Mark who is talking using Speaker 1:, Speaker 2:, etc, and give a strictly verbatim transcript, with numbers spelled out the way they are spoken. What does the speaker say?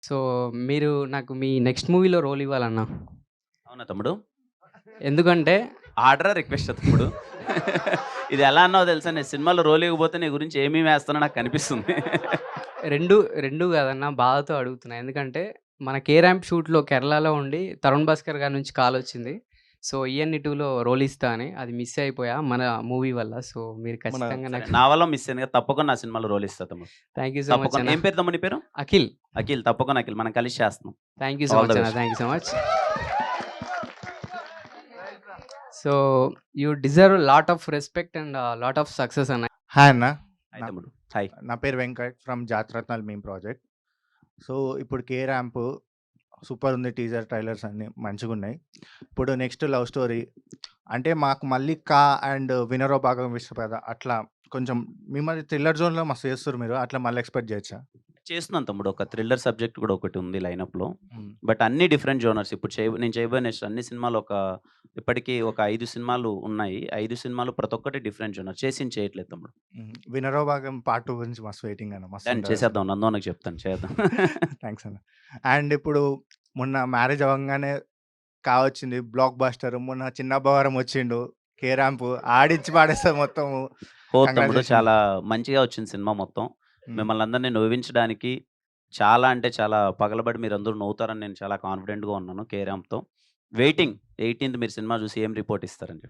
Speaker 1: So, మీరు నాకు మీ next మూవీలో రోల్ ఇవ్వాలన్నా.
Speaker 2: అవునా తమ్ముడు?
Speaker 1: ఎందుకంటే
Speaker 2: ఆర్డరా? రిక్వెస్టా తమ్ముడు? ఇది ఎలా అన్నావో తెలుసా? నేను సినిమాలో రోల్ ఇవ్వకపోతే నీ గురించి ఏ మీమ్ ఏస్తానో నాకు కనిపిస్తుంది.
Speaker 1: రెండు రెండు కాదన్నా బాధతో అడుగుతున్నా. ఎందుకంటే మన 'కే ర్యాంప్' షూట్‌లో కేరళలో ఉండి తరుణ్ భాస్కర్ గారి నుంచి కాలొచ్చింది. సో, 'ఈఎన్‌ఈ టూ'లో రోల్ ఇస్తా అని. అది మిస్ అయిపోయా మన మూవీ వల్ల. సో, మీరు
Speaker 2: మన
Speaker 1: ఖచ్చితంగా
Speaker 2: సరే
Speaker 1: నాకు
Speaker 2: నా వల్ల మిస్ అయింది కదా! తప్పకుండా నా సినిమాలో రోల్ ఇస్తా తమ్ముడు.
Speaker 1: థాంక్ యూ సో మచ్
Speaker 2: తప్పకుండా.
Speaker 1: అన్న.
Speaker 2: ఏం పేరు తమ్ముడు నీ పేరు?
Speaker 1: అఖిల్.
Speaker 2: అఖిల్. తప్పకుండా అఖిల్. మనం కలిసి చేస్తున్నాం.
Speaker 1: Thank you so
Speaker 2: all the
Speaker 1: much అన్న.
Speaker 2: Best.
Speaker 1: Thank you so much. So, you deserve lot of respect and lot of success అన్న.
Speaker 3: హాయ్ అన్న.
Speaker 2: హాయ్
Speaker 3: నా
Speaker 2: తమ్ముడు. హాయ్.
Speaker 3: నా పేరు Venkat from Jathiratnalu meme project. So, ఇప్పుడు 'కే ర్యాంప్' సూపర్ ఉంది. Teaser, trailers అన్నీ మంచిగున్నాయి. ఇప్పుడు నెక్స్ట్ లవ్ స్టోరీ అంటే మాకు మళ్ళీ 'కా' అండ్ 'వినరో భాగం విశ్వపేద' అట్లా కొంచెం మిమ్మల్ని థ్రిల్లర్ జోన్‌లో మస్తు చేస్తుర్రు మీరు. అట్లా మళ్ళీ ఎక్స్‌పెక్ట్ చేయొచ్చా?
Speaker 2: చేస్తున్నాను తమ్ముడు. ఒక థ్రిల్లర్ సబ్జెక్ట్ కూడా ఒకటి ఉంది లైనప్‌లో.
Speaker 3: హ్మ్.
Speaker 2: బట్ అన్నీ డిఫరెంట్ జోనర్స్. ఇప్పుడు చేయ నేను చేయబోయే నెక్స్ట్ అన్ని సినిమాలు ఒక ఇప్పటికి ఒక ఐదు సినిమాలు ఉన్నాయి. ఐదు సినిమాలు ప్రతి ఒక్కటి డిఫరెంట్ జోనర్. చేసింది చేయట్లేదు తమ్ముడు.
Speaker 3: హ్మ్. 'వినరో భాగం పార్ట్ టూ' గురించి మస్తు వెయిటింగ్ అన్న. మస్తు
Speaker 2: డన్
Speaker 3: ఉంటది అసలు.
Speaker 2: చేసేద్దాం. నందోనకి చెప్తాను చేద్దాం.
Speaker 3: థాంక్స్ అన్న. అండ్ ఇప్పుడు మొన్న మ్యారేజ్ అవ్వంగానే 'కా' వచ్చింది. Blockbuster. మొన్న 'చిన్న అబ్బవరం' వచ్చిండు. 'కే ర్యాంప్' ఆడించి పాడేస్తది మొత్తము.
Speaker 2: ఓ తమ్ముడు
Speaker 3: కంగ్రాచ్యులేషన్స్.
Speaker 2: చాలా మంచిగా వచ్చింది సినిమా మొత్తం.
Speaker 3: హ్మ్.
Speaker 2: మిమ్మల్ని అందరిని నవ్వించడానికి చాలా అంటే చాలా పగలబడి మీరందరూ నవ్వుతారని నేను చాలా కాన్ఫిడెంట్‌గా ఉన్నాను 'కే ర్యాంప్‌తో'. వెయిటింగ్ ఎయిటీన్త్ మీరు సినిమా చూసి ఏం రిపోర్ట్ ఇస్తారని చెప్పి.